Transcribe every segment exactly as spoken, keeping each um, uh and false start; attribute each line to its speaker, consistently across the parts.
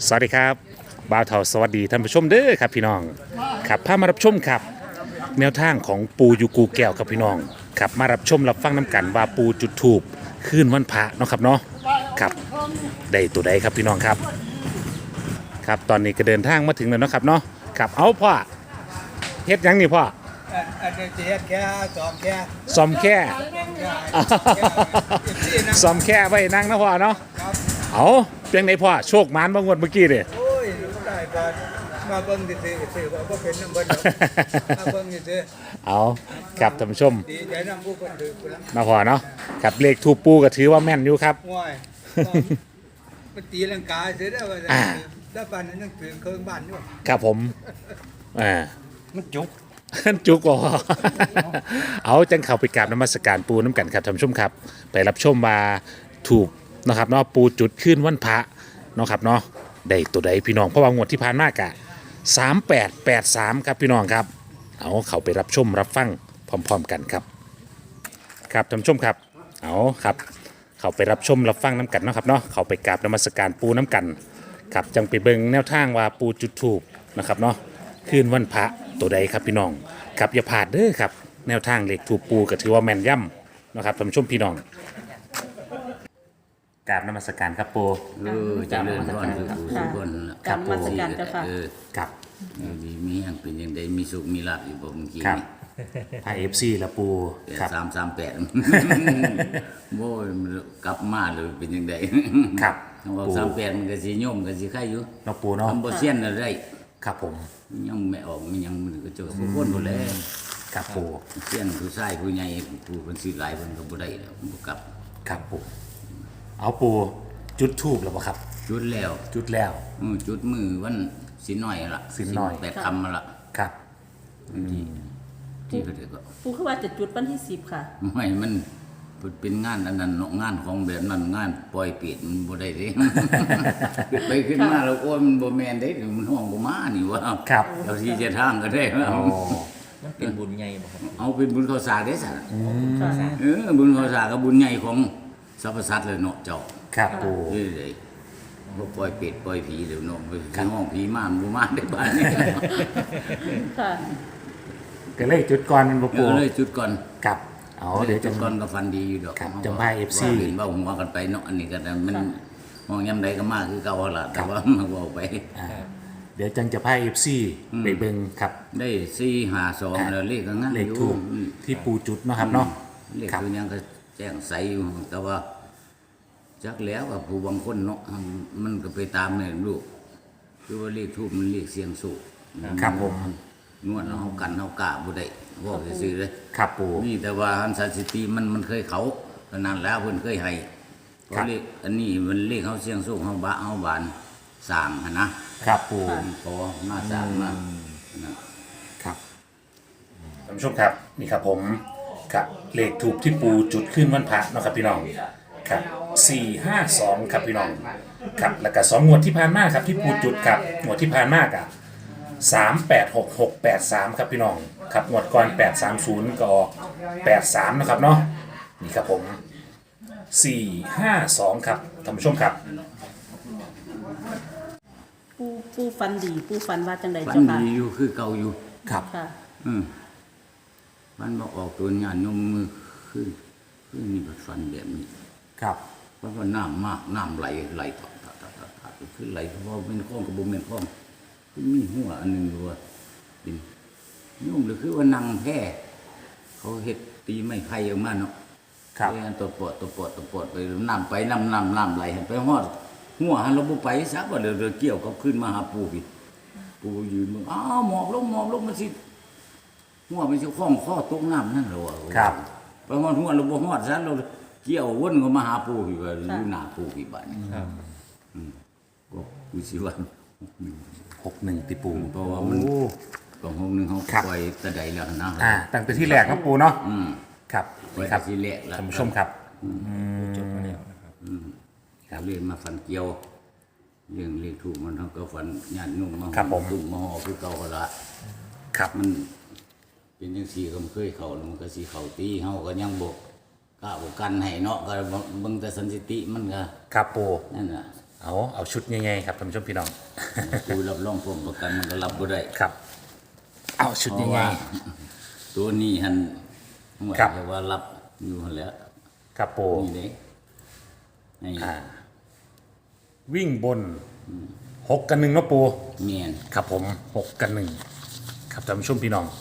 Speaker 1: สวัสดีครับบ่าวเฒ่าสวัสดีท่านผู้ชมเด้อครับพี่น้องครับพามารับชมครับแนวทางของปูยูกูแก้วครับพี่น้องครับมารับชมรับฟังน้ำกันว่าปูจุดถูปคืนวันพระเนาะครับเนาะครับได้ตัวใดครับพี่น้องครับครับตอนนี้ก็เดินทางมาถึงแล้วเนาะครับเนาะครับเอาพ่อเฮ็ดหยังนี่พ่อ
Speaker 2: อันอันนี้เจ็ดแค่สองแค่
Speaker 1: ซ่อมแค่
Speaker 2: แค่ที่นะ
Speaker 1: ซ่อมแค่ไว้นั่งนะพ่อเนาะ
Speaker 2: ครับ
Speaker 1: เอาเพียงไหนพ่อโชคมานบางวดเมื่อกี้เด้
Speaker 2: โอ้ยรู้ได้ก่อนมาเบิ่งดิซื้อซื้อว่าบ่เป็นน้ำเบิ่งมาเบิ่งดิซื้อ
Speaker 1: เอาครับท่านผู้ชม
Speaker 2: ดีใจนำผู้คนถือกูละ
Speaker 1: มาพอเนาะครับเลขทูปปูก็ถือว่าแม่นอยู่ครับ
Speaker 2: ง่อยมันตีลังกาซื้อได้ว่าแล้วบ้านนั้นยังถือเครื่องบ้านอยู่
Speaker 1: ครับผมอ่า
Speaker 2: มันจุก
Speaker 1: จุกบ่ เอาจังเข้าไปกราบนมัสการปูน้ำกันครับท่านผู้ชมครับ ไปรับชมมาถูกนะครับเนาะปูจุดขึ้นวันพระเนาะครับเนาะได้ตัวใดพี่น้องเพราะว่างวดที่ผ่านมากะสามแปดแปดสามครับพี่น้องครับเอาเข้าไปรับชมรับฟังพร้อมๆกันครับ ครับท่านผู้ชมครับเอาครับเข้าไปรับชมรับฟังน้ำกันเนาะครับเนาะเข้าไปกราบนมัสการปูน้ำกันครับจังไปเบิ่งแนวทางว่าปูจุดถูกนะครับเนาะคืนวันพระตัวใดครับพี่น้องครับอย่าพลาดเด้อครับแนวทางเลขถูกปูก็ถือว่าแม่นย่ำนะครับท่านผู้ชมพี่น้องกราบนมัสการครับปู
Speaker 3: เออเจะเลื่อนก่อนคือผู้สุขคนน่ะ
Speaker 4: กราบนมัสการเจ้าค่ะ
Speaker 3: เออ
Speaker 1: ครับ
Speaker 3: อยู่ดีมีอย่างเป็นอย่างใดมีสุขมีลาภอยู่บ่เมื่อกี้
Speaker 1: ครับ
Speaker 3: นี่
Speaker 1: ไทยเอฟซีละปูครับ
Speaker 3: สามสามแปดโว้ยมันกลับมาเลยเป็นยังไง
Speaker 1: ครับ
Speaker 3: ว่าสามแปดมันก็สิโยมก็สิไข่อยู่
Speaker 1: เนาะปูเนาะ
Speaker 3: ทำบ่เซียนอะไร
Speaker 1: ครับผม
Speaker 3: ยังไม่ออกมันยังมันก็เจ้าสุขคนบ่แล้ว
Speaker 1: ครับปู
Speaker 3: เซียนผู้ชายผู้ใหญ่ผู้เพิ่นสิหลายเพิ่นก็บ่ได้แล้วบ่กลับ
Speaker 1: ครับปูเอาปูจุดทูบแล้วบ่ครับ
Speaker 3: จุดแล้ว
Speaker 1: จุดแล้ว
Speaker 3: อือจุดมือวันสินน้อยล่ะ
Speaker 1: สินน้อย
Speaker 3: แปดคำมาล่ะ
Speaker 1: ครับ
Speaker 3: ที่ที่เขาเรียกว่า
Speaker 4: ปูคือว่าจะจุดวันที่สิบค่ะ
Speaker 3: ไม่มันเป็นงานอันนั้นเนาะงานของแบบนั้นงานปล่อยปิดมันบ่ได้เด้ ไปขึ้นมาแล้วโอ้ยมันบ่แม่นเด้มันห้องบ่มานี่ว่า
Speaker 1: ครับ
Speaker 3: เราที่จะทางก็ได้
Speaker 1: โอ้
Speaker 5: มันเป็นบุญใหญ่บ่ครับ
Speaker 3: เอาเป็นบุญข้าวสากได้ซะ
Speaker 4: ค่ะ
Speaker 3: เออบุญข้าวสากกับบุญใหญ่ของสรรพสัตว์เลยเนาะเจ้า
Speaker 1: ครับปู
Speaker 3: เอ้ยเลยบ่ปล่อยเป็ดปล่อยผีเดี๋ยวเนาะไปห้องผีมามันบ่มาได้บ้านนี้
Speaker 4: ค่ะ
Speaker 1: ก็เลยจุดก่อนมันบ่
Speaker 3: เอ
Speaker 1: ปู
Speaker 3: อเลยจุดก่อน
Speaker 1: ครับเอาเดี๋ยว
Speaker 3: จุ
Speaker 1: จะ
Speaker 3: ดก่อนก็ฟันดีอยู่ดอก
Speaker 1: ครับ
Speaker 3: เฮ
Speaker 1: จำพาย เอฟ ซี
Speaker 3: ว่าเห็นว่าหัวกันไปเนาะอันนี้ก็มันมองยามใดก็มาคือเก่าล่ะแต่ว่ามาเว้าไป
Speaker 1: อ่าเดี๋ยวจังจะพายเอฟซีไปเบิ่งครับ
Speaker 3: ได้สี่ห้าสองแล้วเลขก็งั้น
Speaker 1: เลขถูก
Speaker 3: อืม
Speaker 1: ที่ปูจุดเนาะครับเนาะ
Speaker 3: เลข
Speaker 1: ครับ
Speaker 3: คือยังก็แจ้งใสอยู่แต่ว่าจักแล้วกับผู้บางคนเนาะมันก็ไปตามเนี่ยลูกคือว่าเลขทูบมันเลขเสียงสูง
Speaker 1: ครับผม
Speaker 3: นวดเฮากันเฮากะบ่ได้บอกซื่อๆเลย
Speaker 1: ครับปู
Speaker 3: นี่แต่ว่าอันสันสิติมันมันเคยเขาก็นานแล้วเพิ่นเคยให้เพ
Speaker 1: ครั
Speaker 3: ราะ
Speaker 1: บ
Speaker 3: เลขอันนี้มันเลขเฮาเสียงสูงเฮาบะเฮาบานสร้างหั่นนะครับ
Speaker 1: ปู
Speaker 3: พอมาสร้างมานะ
Speaker 1: ครับท่านผู้ชมครับนี่ครับผมครับเลขถูกที่ปูจุดขึ้นวันพระเนาะครับพี่น้องครับสี่ห้าสองครับพี่น้องครับแล้วก็สองงวดที่ผ่านมาครับที่ปูจุดครับงวดที่ผ่านมากอ่ะสามแปดหกหกแปดสามครับพี่น้องครับงวดก่อนแปดสามศูนย์ก็ออกแปดสามนะครับเนาะนี่ครับผมสี่ห้าสองครับท่านผู้ชมครับ
Speaker 4: ปูปูฟันดี ปูฟันว่าจังใด
Speaker 3: ฝัน
Speaker 4: เจ้าค่ะ
Speaker 3: ดีอยู่คือเก่าอยู่
Speaker 1: ครับ
Speaker 4: ค่ะ
Speaker 3: อืมฝันบ่ออกตัวยานยมมือคือคือมีฝันแบบนี้
Speaker 1: ครับ
Speaker 3: เพราะว่าน้ำมากน้ำไหลไหลตอดตอดตอดตอดตอดคือไหลเพราะว่าเป็นคลองกับบ่แม่นคลองคือมีหัวอันหนึงอยู่ว่าเป็นโยมหรือคือว่านั่งแพ้เขาเฮ็ดตีไม้ไผ่ออกมาเนาะ
Speaker 1: ครับ
Speaker 3: ไปอันตัวปอดตัวปอดตัวปอดไปน้ำไปน้ำน้ำน้ำไหลไปฮอดหัวหันเราบ่ไปซักว่าเดี๋ยวเดี๋ยวเกี่ยวกับขึ้นมาหาปู่พี่ปู่ยืนมึงอ้าวหมอบลงหมอบลงมันสิหัวมันสิคล้องข้อตกน้ำนั่นเหรอวะ
Speaker 1: ครับ
Speaker 3: ไปฮอดหัวเราบ่ฮอดซะเราเกี่ยววนก็มาหาปู่พี่ว่าอยู่หน้าปู่พี่บัดนี้
Speaker 5: ครับ
Speaker 3: ก็กูสิว่า
Speaker 1: หกหนึ่งติปู
Speaker 3: เพราะว่ามัน
Speaker 1: โอ้
Speaker 3: ก็ห้องหนึงเขา
Speaker 1: ครับ
Speaker 3: ปล่อยแตะใดแล้วนะ
Speaker 1: อ่าตั้งแต่ที่แรกครับปูเนาะ
Speaker 3: อืม
Speaker 1: ครับ
Speaker 3: ปล่อย
Speaker 1: ครับ
Speaker 3: แต่ทีแรกแล้ว
Speaker 1: ท่านผู้ชมครับ
Speaker 5: จบมาแล้วนะครับ
Speaker 3: ครับเรียนมาฝันเกี่ยวเรื่องเลขถูกมันเขาก็ฝันญาติโยมมา
Speaker 1: ครับผม
Speaker 3: ตุ้มมาห่อคือเก่าก็ละ
Speaker 1: ครับ
Speaker 3: มันเป็นจังซี่ก็มันเคยเข้าแล้วมันก็สิเข้าตีเฮาก็ยังบ่กล้าบ่กันให้เนาะก็เบิ่งแต่สันสิติมันก็
Speaker 1: ครับปู
Speaker 3: นั่นน่ะ
Speaker 1: เอาเอาชุดง่ายๆครับท่านผู้ชมพี่น้อง
Speaker 3: ปูรับรองผมประกันมันก็รับบ่ได้
Speaker 1: ครับ เอาชุด
Speaker 3: เพราะ
Speaker 1: ง่า
Speaker 3: ว่าย ตัวนี้หันว่า
Speaker 1: ครับ
Speaker 3: แต่ว่ารับอยู่หั่นแหล้ว
Speaker 1: ๆครับปู
Speaker 3: นี่เด้ให้
Speaker 1: อ่าวิ่งบนหกกันหนึ่งเนาะปู
Speaker 3: เมียน
Speaker 1: ครับผมหกกันหนึ่งครับท่านผู้ชมพี่น้อง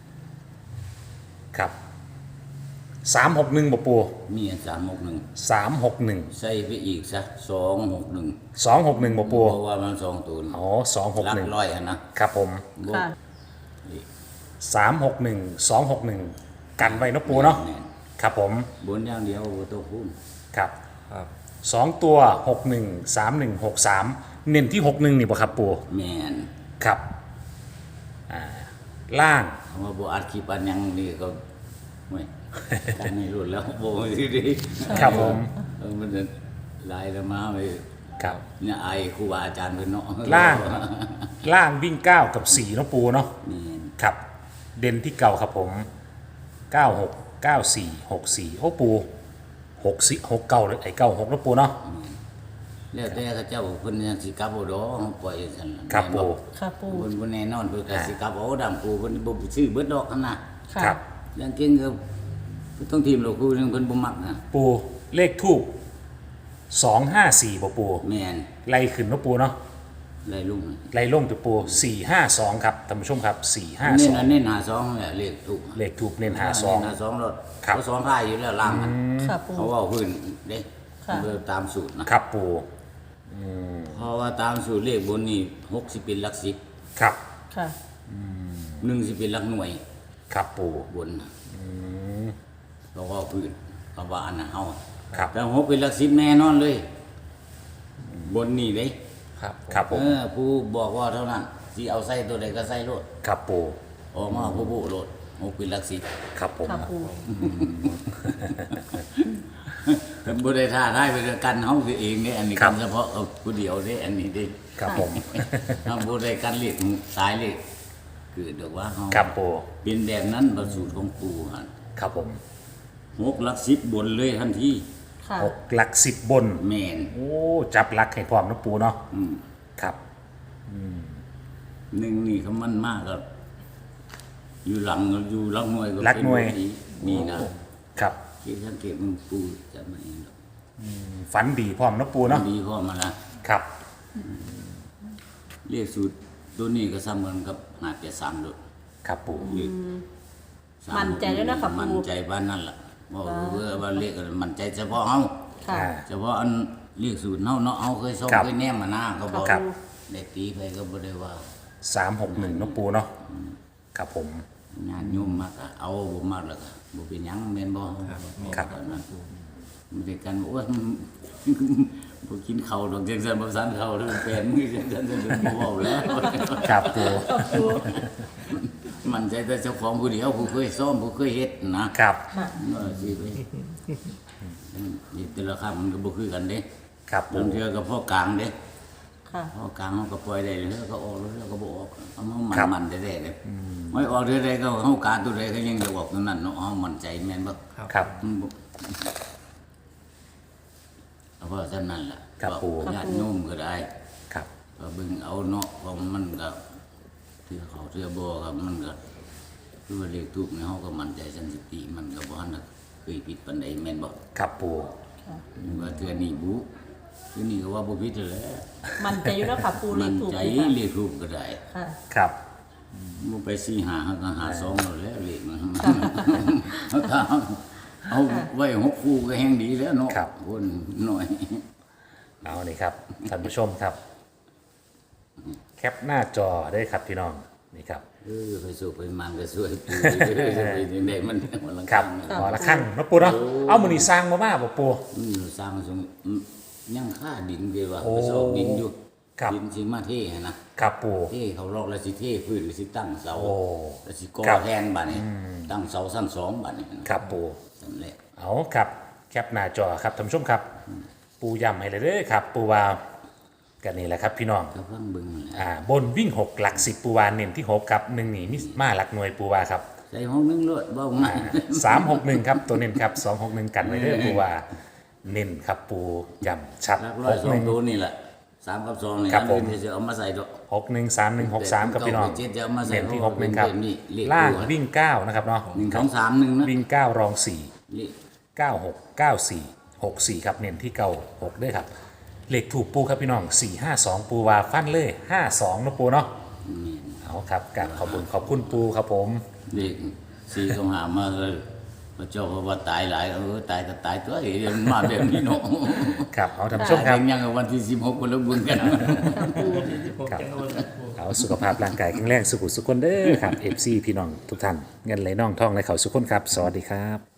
Speaker 1: ครับสามหกหนึ่งบ่ปู
Speaker 3: เมียนสามหกหนึ่ง
Speaker 1: สามหกหนึ่ง
Speaker 3: ใส่ไปอีกซะสองหกหนึ่ง
Speaker 1: สองหกหนึ่งบ่ปู
Speaker 3: เพราะว่ามันสองตัว
Speaker 1: อ๋อสองหก
Speaker 3: ลั
Speaker 1: หนึ่ง
Speaker 3: ร้อยหั่นนะครับ
Speaker 1: ผม
Speaker 3: บ่
Speaker 4: ค่ะ
Speaker 1: สามหกหนึ่งสองหกหนึ่งกันไว้เนาะปูเนาะ
Speaker 3: แม่น
Speaker 1: ครับผม
Speaker 3: บนอย่างเดียวบ่ต้องคูณ
Speaker 1: ครับ
Speaker 5: ครับ
Speaker 1: สองตัวหกหนึ่งสามหนึ่งหกสามเน้นที่หกหนึ่งนี่บ่ครับปู
Speaker 3: แม่น
Speaker 1: ครับอ่าล่าง
Speaker 3: คำว่าบ่อัดคลิปอันหยังนี่ก็ไม่กันนี่รุ่นแล้วบ่สิดี
Speaker 1: ครับผม
Speaker 3: เออมันจะหลายแล้วมาไป
Speaker 1: ครับ
Speaker 3: เนี่ยไอครูบาอาจารย์เพิ่นเนาะ
Speaker 1: ล่าง ล่างวิ่งเก้ากับสี่เนาะปูเนาะ
Speaker 3: นี่
Speaker 1: ครับ เด่นที่เก่าครับผมเก้าหกเก้าสี่หกสี่โอ้ปูหกสี่หกเก้าเลยไอ้เก้าหกเนาะปูเนาะ
Speaker 3: แล้วแต่เขาเจ้าเพิ่นยังสิกลับบ่ดอกปล่อยซั่นล่ะ
Speaker 1: ครับปู
Speaker 4: ค่ะปู
Speaker 3: เพิ่นบ่แน่นอนเพิ่นก็สิกลับเอาดำปูเพิ่นบ่ซื้อเบิดดอกหั่นน่ะ
Speaker 4: ค่ะ
Speaker 1: ครับ
Speaker 3: อย่างเก่งก็ต้องทีมเราครูนึงเพิ่นบ่มักนะ
Speaker 1: ปูเลขทูบสองห้าสี่บ่ปู
Speaker 3: แม่น
Speaker 1: ไล่ขึ้นเนาะปูเนาะ
Speaker 3: ไรลุง
Speaker 1: ไล่ลงตัวปูสี่ห้าสองครับท่านผู้ชมครับสี่ห้า
Speaker 3: เน้
Speaker 1: ส
Speaker 3: น
Speaker 1: อง
Speaker 3: อันเน้นหาสองแหละเลขถูก
Speaker 1: เลขทูบเน้นหาสอง
Speaker 3: เน้นหาสองรถ
Speaker 1: ครับ
Speaker 3: เขาสองค่ายอยู่แล้วล่างมัน
Speaker 4: ค่ะปู
Speaker 3: เขาเว่าพื้นเด้
Speaker 4: ค่ะ
Speaker 3: เบอร์ตามสูตรนะครับ
Speaker 1: ปู
Speaker 3: เพราะว่าตามสูตรเลขบนนี่หกสิบเป็นหลักสิบ
Speaker 1: ครับ
Speaker 4: ค่ะ
Speaker 3: หนึ่งสิบเป็นหลักหน่วย
Speaker 1: ครับปู
Speaker 3: บนน่ะเขาเว่าพื้นเขาว่าอันน่ะเฮา
Speaker 1: ครับ
Speaker 3: แต่หกเป็นหลักสิบแน่นอนเลย บนนี่เด้
Speaker 5: ครับ
Speaker 1: ครับผ
Speaker 3: เอ
Speaker 1: ม
Speaker 3: อผู้บอกว่าเท่านั้นที่เอาใส่ตัวใดก็ใส่โลด
Speaker 1: ครับปู
Speaker 3: ออกมาผู้ผู้โลดหกเป็นหลักสิบ
Speaker 1: ครับผม
Speaker 4: ค่ะปู
Speaker 3: บ่ได้ท่าได้ไปด้วยกันเฮาคือเองเนี่ยอันนี้กันเฉพาะเอาผู้เดียวเด้อันนี้เด้
Speaker 1: ครับผม
Speaker 3: เฮาบ่ได้กันเรียกสายเรียกคือเดี๋ยวว่าเฮา
Speaker 1: ครับปู
Speaker 3: เป็นแบบนั้นประสูตรของปู่หั่น
Speaker 1: ครับผม
Speaker 3: หกหลักสิบบนเลยทันที
Speaker 4: ค่ะ
Speaker 1: หกหลักสิบบน
Speaker 3: แม่น
Speaker 1: โอ้จับหลักให้พร้อมนะปูเนาะ
Speaker 3: อืม
Speaker 1: ครับ
Speaker 3: หนึ่งนี่เขามันมากก็อยู่หลังอยู่หลังหน่วยก็
Speaker 1: หลักหน่วย
Speaker 3: เป็นแบบนี่นะครับ คิดสังเกตมึงปู่จะมาเองหรอก
Speaker 1: ฝันดีพร้อมนะปูเนาะ
Speaker 3: ดีพอมาละ
Speaker 1: ครับ
Speaker 3: เรียกสูตรตัวนี้ก็ซ้ำกันกับหาดแปดสามโดด
Speaker 1: ครับปู
Speaker 3: เลขสา
Speaker 4: มั่นใจด้วยนะคะปู่
Speaker 3: มั่นใจบ้านนั่นล่ะบอกว่าว่าเลขกันมั่นใจเฉพาะเฮา
Speaker 4: ค่ะ
Speaker 1: อ่า
Speaker 3: เฉพาะอันเรียกสูตรเฮาเนาะเฮาเคยส่ง
Speaker 1: ครับ
Speaker 3: เคยแนมมาหน้าก็บอก
Speaker 1: ครับ
Speaker 3: ได้ตีไปก็บ่ได้ว่า
Speaker 1: สามหกหนึ่งนะปูเนาะครับผม
Speaker 3: งานยุ่มมากอะเอาบ่มากแล้วก็บ่เป็นหยังแม่นบ่
Speaker 1: ครับ
Speaker 3: ตอนนั้นมันเป็นกันโอ้ย บ่กินข้าวดอกจังซั่นบ่ซันข้าวเด้อแฟนมือจังซั่นบ่เว้าแล้ว
Speaker 1: ครับปู
Speaker 3: มันใจแต่เจ้าของผู้เดียวผู้เคยซ้อมผู้เคยเฮ็ดนะครับ เออสิไปนี่แต่ละคำมันก็บ่คือกันเด้
Speaker 1: ครับปู
Speaker 3: บางเทื่อก็พ่อกลางเด้
Speaker 4: ค่ะ
Speaker 3: พ่อกลางเขาก็ปล่อยได้เลยเขาก็ออกแล้วเขาก็บ่ออกเอามามัน
Speaker 1: ครับ
Speaker 3: มันได้ๆเลยไม่ออกเทื่อใดก็เฮาการตัวใดก็ยังจะออกตัวนั้นเนาะเฮามั่นใจแม่นบ่
Speaker 1: ครับ
Speaker 3: มันบ่เอาว่าซั่นนั่นล่ะ
Speaker 1: ครับปู่
Speaker 3: ญาติโยมก็ได้
Speaker 1: ครับ
Speaker 3: ก็เบิ่งเอาเนาะเพราะมันก็เทื่อเขาเทื่อบ่ก็มันก็คือว่าเลขทูปในเฮาก็มั่นใจสันสติมันก็บ่ทันได้เคยผิดปานใดแม่นบ่
Speaker 1: ครับปู
Speaker 3: ว่าเทื่อนี้บุเทื่อนี้ก็ว่าบ่ผิดแหละ
Speaker 4: มั่นใจอยู่แล้วค่ะปูเล
Speaker 3: มั่
Speaker 4: ข
Speaker 3: น
Speaker 4: ถูก
Speaker 3: ใจ
Speaker 4: เลยค่ะ
Speaker 3: เลขทูปก็ได้
Speaker 4: ค่ะ
Speaker 1: ครับ
Speaker 3: บ่ไปสี่หาเขาก็หาสองแล้วแหล้วเลขมันเอาถ้าเอาไว้หกคู่ก็แฮงดีแล้วเนาะคนน้อย
Speaker 1: เอานี่ครับท่านผู้ชมครับ แคปหน้าจอได้ครับพี่น้องนี่ครับ
Speaker 3: เออไปสู่ไปมันก็ช่วยปูจะไปยังไงมันมันลัง
Speaker 1: ครับขอละขั้นนะปูเนาะเอามือนี่สร้างมาบ้าบ่ปู
Speaker 3: อืมสร้างสมยังค่าดินเดียวว่า
Speaker 1: โอ้
Speaker 3: ไปสอบดินอยู่
Speaker 1: ครับ
Speaker 3: ดินสิมาเท่นะครับ
Speaker 1: ปู
Speaker 3: เท่เขาลอกแล้วสิเท่พื้นแล้วสิตั้งเสา
Speaker 1: โอ้
Speaker 3: แล้วสิก่อ
Speaker 1: ครับ
Speaker 3: แทนบัดนี้ตั้งเสาสั้นสองบัดนี้
Speaker 1: ครับปู
Speaker 3: นั่นแหละ
Speaker 1: เอาครับแคปหน้าจอครับท่านผู้ชมครับ ปูย้ำให้เลยเด้อครับ ปูว่ากันนี่แหละครับพี่น้อง
Speaker 3: ก็ฟังเบิ่งนั่นแหละ
Speaker 1: อ่าบนวิ่งหกหลักสิบปูวาเน้นที่หกครับหนึ่งหนีมิมาหลักหน่วยปูวาครับ
Speaker 3: ใส่ห้องนึงโลดเว้าง่าย
Speaker 1: สามหกหนึ่งครับตัวเน้นครับสองหกหนึ่งกันไว้เด้อปูวาเน้นครับปูย้ำชัด
Speaker 3: หลักร้
Speaker 1: ห
Speaker 3: อย
Speaker 1: ก
Speaker 3: สอ
Speaker 1: ห
Speaker 3: ง
Speaker 1: นึ่ง
Speaker 3: ตัวนี่แหละสามกับสองนี่
Speaker 1: ครับผม
Speaker 3: อันนี้จะเอามาใส่ดอก
Speaker 1: หกหนึ่งสามหนึ่งหกสามครับพี่น้อง
Speaker 3: เจ็ดจะเอามาใส่
Speaker 1: เน้นที่หกหนึ่งครับ
Speaker 3: นี่เลข
Speaker 1: ล่าง
Speaker 3: ตัว
Speaker 1: วิ่งเก้านะครับเนาะ
Speaker 3: หนึ่งสองสามหนึ่งนะ
Speaker 1: วิ่งเก้ารองสี่
Speaker 3: เลข
Speaker 1: เก้าหกเก้าสี่หกสี่ครับเน้นที่เก้าหกด้วยครับเลขถูกปูครับพี่น้องสี่ห้าสองปูวาฟันเลยห้าสองนะปูเนาะเอาครับกราบขอบคุณขอบคุณปูครับผม
Speaker 3: เลขสี่เขาหามาเลยพระเจ้าเขาว่าตายหลายเออตายก็ตายตัวเองมาแบบนี้เนาะ
Speaker 1: ครับเอาท่านผู้ชมครับ
Speaker 3: ยังยังวันที่สิบหกคนละบุญกัน
Speaker 1: ครับเอาสุขภาพร่างกายแข็งแรงสุขุสุขคนเด้อครับเอฟซีพี่น้องทุกท่านเงินไหลน่องท่องไหลเขาสุขคนครับ สวัสดีครับ